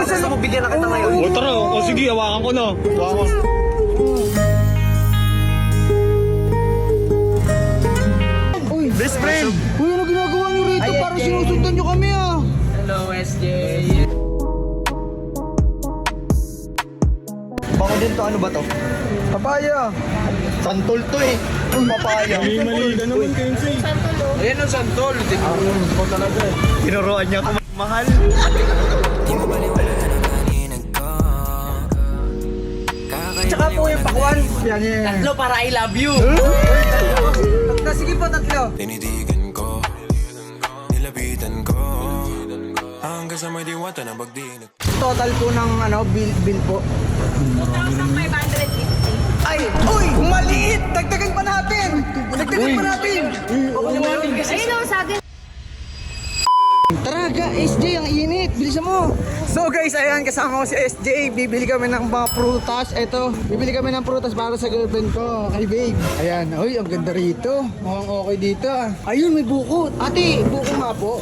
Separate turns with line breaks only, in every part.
gusto mo bigyan na kita ngayon?
O tara, o sige, hawakan ko na. Hawakan.
Uy,
Best friend!
uy, ano ginagawa niyo rito?
Ay,
Parang
SJ.
sinusundan niyo kami ah.
Hello, SJ.
Bango din to, ano ba to?
Papaya.
Santol to eh. Papaya.
Mali ka naman, Kenzie.
Ayan ang santol. Tingnan ko talaga eh.
Tinuruan niya ako mahal.
Tsaka po yung pakwan. Yan, yan.
Tatlo para I love you.
Sige po, tatlo.
Tinitigan ko, nilapitan ko, hanggang sa may diwata na bagdinig.
Total po ng bill po.
2,550.
Ay, uy, maliit! Dagdagan pa natin! Dagdagan pa natin!
Ayun o, saging.
Tara, SJ, ang init. Bilisan mo. So guys, ayan, kasama ko si SJ. Bibili kami ng mga prutas. Eto, bibili kami ng prutas para sa girlfriend ko. Ay, babe. Ayan, uy, ang ganda rito. Mukhang okay dito ah. Ayun, may buko. Ate, buko nga po.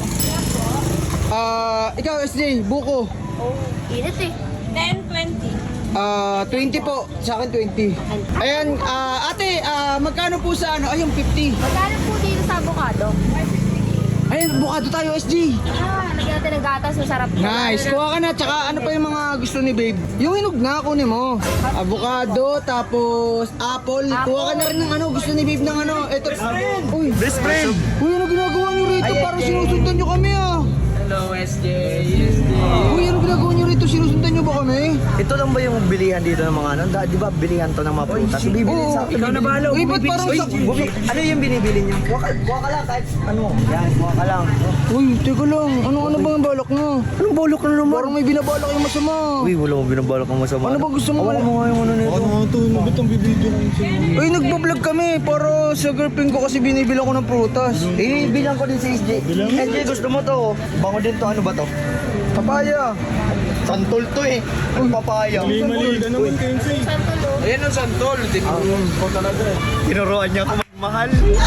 Ikaw SJ, buko.
Oh, init eh. 10, 20.
20 po. Sa akin 20. Ayan, ate, magkano po sa ano? Ayun, 50.
Magkano po dito sa avocado?
Ayun, bukado tayo SJ.
Lagyan natin ng gatas, masarap.
Nice. Kuha ka na. Tsaka ano pa yung mga gusto ni babe? Yung hinog na, kunin mo. Avocado, tapos apple. Kuha ka na rin ng ano, gusto ni babe ng ano. Ito. Uy,
Best friend!
uy, ano ginagawa niyo rito? Parang sinusundan niyo kami ah.
Hello, SJ. SJ.
Uy, ano ginagawa niyo rito? Sinusundan niyo ba kami?
Ito lang ba yung bilihan dito ng mga ano? Di ba bilihan to ng mga prutas? Bibili
Oo,
sa
ikaw na bahala. Uy, ba't parang sa...
Ano yung binibili niyo? Kuha ka lang kahit ano. Yan, kuha ka lang.
Uy, teka lang. Ano ba ang balak mo?
Anong bolok na naman?
Parang may binabalak yung masama.
Uy, wala mo binabalak ng masama.
Ano ba gusto mo?
Hawakan mo nga yung ano nito.
Ano nga ito? Ba't ang bibidyo ko sa'yo?
Uy, nagbablog kami para sa girlfriend ko kasi binibila ko ng prutas.
Eh, bilang ko din sa SJ. SJ, gusto mo to? Bango din to, ano ba to?
Papaya.
Santol to eh. Ang papaya.
Mali ka naman, Kenzie.
Ayan ang santol. Tingnan ko talaga eh.
Tinuruan niya ako mahal.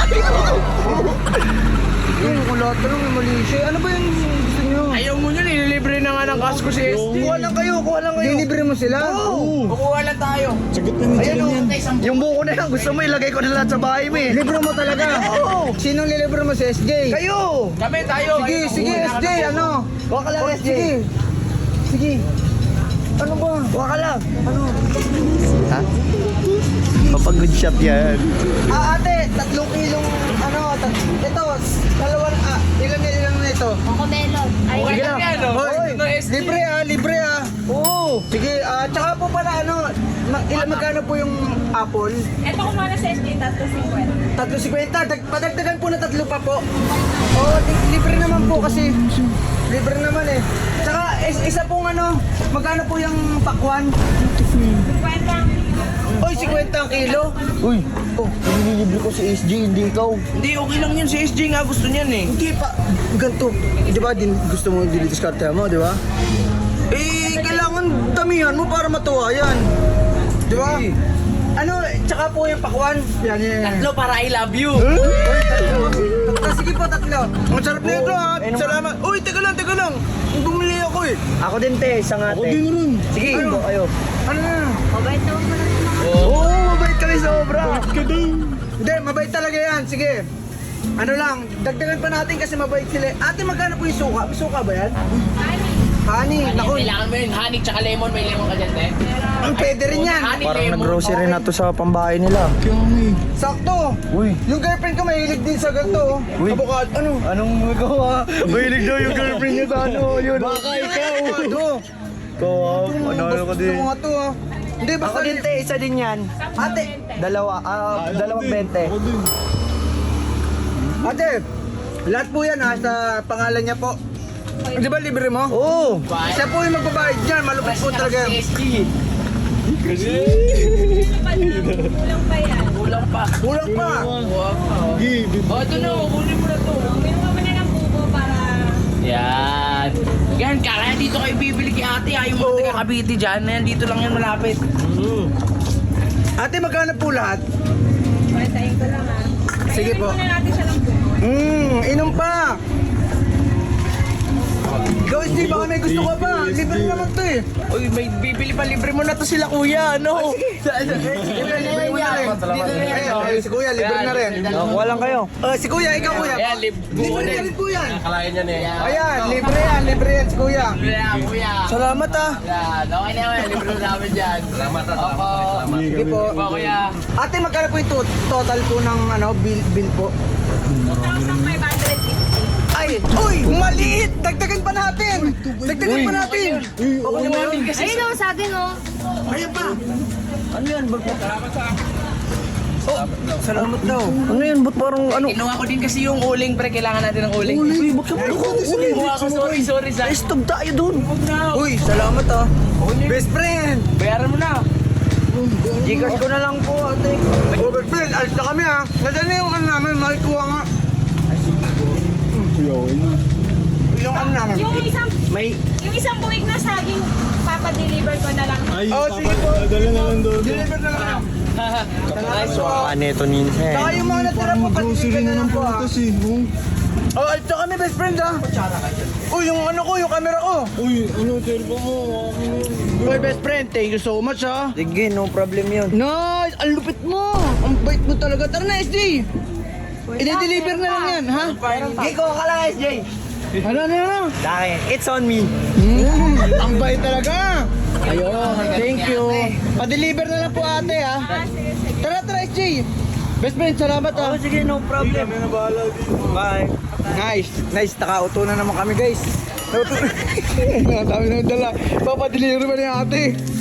Uy, wala talagang may mali siya. Ano ba yung gusto niyo?
Ayaw mo nyo, nililibre na nga ng kasko si SJ.
Kuha lang kayo, kuha lang kayo.
Dinibre mo sila?
Kukuha lang tayo.
Sagot na ni
Ayan
Jen
o,
yan.
yung buko na yan, gusto mo ilagay ko na lahat sa bahay mo eh.
Libre mo talaga?
Oo.
Sinong lilibre mo si SJ?
Kayo!
Kami tayo.
Sige,
Ayun,
sige
kukuha na
SJ,
kami.
ano?
Kuha ka lang,
Oh,
SJ.
Sige. Sige. Ano ba?
Kuha ka lang. Ano? Ha? Papag-good shot yan.
Ate, 3 kilong, ito, ilan na ito?
Cocomelon. Ay,
Okay
yan.
lang yan, no?
Hoy,
Ito, SJ.
libre ah. Oo. Sige, tsaka po pala magkano po yung apple?
Ito ko muna sa SJ, 350.
350. Padagdagan po na 3 pa po. Oo, libre naman po kasi. Libre naman eh. Tsaka isa pong magkano po yung pakwan?
50.
Oy, 50 ang kilo.
Uy, nililibre ko si SJ, hindi ikaw.
Hindi, okay lang yun. Si SJ nga gusto niyan eh.
Hindi pa. Ganito. Di ba gusto mo dilidiskarte mo, di ba? Eh, kailangan damihan mo para matuwa yan. Di ba? Tsaka po yung pakwan. Yan.
Tatlo para I love you.
Sige po, 3. Ang sarap na ito ha. Salamat. Uy, teka lang. Bumili ako eh.
Ako din te, isang ate.
Ako din rin.
Sige, ikaw kayo.
Ano na?
Mabait naman pala sa mga.
Oo, mabait kami sobra.
Ka daw.
Hindi, mabait talaga yan. Sige. Ano lang, dagdagan pa natin kasi mabait sila. Ate, magkano po yung suka? May suka ba yan? Honey, naku.
Kailangan mo yun, honey tsaka lemon. May lemon ka dyan, te.
Ang pwede rin yan.
Honey,
Parang
lemon.
nag-grocery na to sa pambahay nila.
Kaya nga eh.
Sakto.
Uy.
Yung girlfriend ko mahilig din sa ganito.
Uy.
Avocado. Ano?
Anong magawa? Mahilig daw yung girlfriend niya sa ano, yun.
Baka ikaw. Avocado.
Ikaw, ano ka din.
Gusto mo nga to ha. Hindi, basta
Ako din te, isa din yan.
Ate,
Dalawang 20.
Ako din.
ate, lahat po yan ha, sa pangalan niya po. Di ba libre mo?
Oo.
Siya po yung magbabayad dyan, malupit po talaga.
Si SJ.
Kulang pa yan.
Kulang pa.
Kulang pa.
Wow.
Sige,
Oh, ito na. Kunin mo na to.
Minuha mo na ng bubo para...
Yan. Yan, kaya dito kayo bibili kay ate. Ayaw mo taga Cavite dyan. Yan, dito lang yan malapit.
Ate, magkano po lahat?
Patayin ko lang ha.
Sige po.
Patayin muna natin siya ng bubo.
Inom pa. Ikaw, Steve, baka may gusto ka pa. Libre naman to eh.
Uy, may bibili pa, libre mo na to sila kuya, ano? Libre na yan yan. Dito na yan.
Ay, si Kuya, libre na rin.
Nakuha lang kayo.
Si Kuya, ikaw Kuya.
Ayan, libre
Libre na
din.
rin po yan.
Kalayan yan eh.
Ayan, libre yan si Kuya.
Libre na, kuya.
Salamat ah.
Yan, okay na yan, libre na namin dyan. Salamat at salamat.
Sige po.
Opo, kuya.
Ate, magkano po yung total po ng bill po?
2,550.
Ay, uy, maliit! Dagdagan pa natin! Dagdagan pa natin!
Okay naman kasi.
Ayun o, sa akin o.
Ayan pa!
Ano yan? Ba't
Salamat daw.
ano yan? Ba't parang ano?
Kinuha ko din kasi yung uling, pre. Kailangan natin ng uling.
Uy, bakit ako?
Kinuha ko, sorry, sa.
Stop tayo dun.
Uy, salamat ah. Best friend!
Bayaran mo na.
Gcash ko na lang po ate. Oh, best friend, alis na kami ah. Nasaan na yung ano namin, makikuha nga. Yung ano namin.
Yung isang buwig na saging, papadeliver ko na lang.
Ay,
Oh, sige po.
dala na lang doon.
Deliver na lang.
So, neto ninsa
Saka yung mga natira po,
Grocery
patiligan
na
na lang
ng
po ah.
prutas eh.
Oh, alis na kami best friend ah. Uy, yung ano ko, yung camera ko.
Uy, ano, cellphone mo.
Uy, best friend, thank you so much ah.
Sige, no problem yun.
Nice! Ang lupit mo! Ang bait mo talaga. Tara na, SJ! I-deliver na lang yan, ha?
Giko ka lang, SJ.
Ano?
Dahil, it's on me.
Ang bait talaga! Ayun, thank you. Pa-deliver na lang po ate, ha? Tara, SJ! Best friend, salamat, ha?
Oh, sige, no problem.
Kami na bahala dito.
Bye.
Nice. Nakauto na naman kami, guys. Nakauto na. Ang dami na dala. Papadeliver ba ni ate?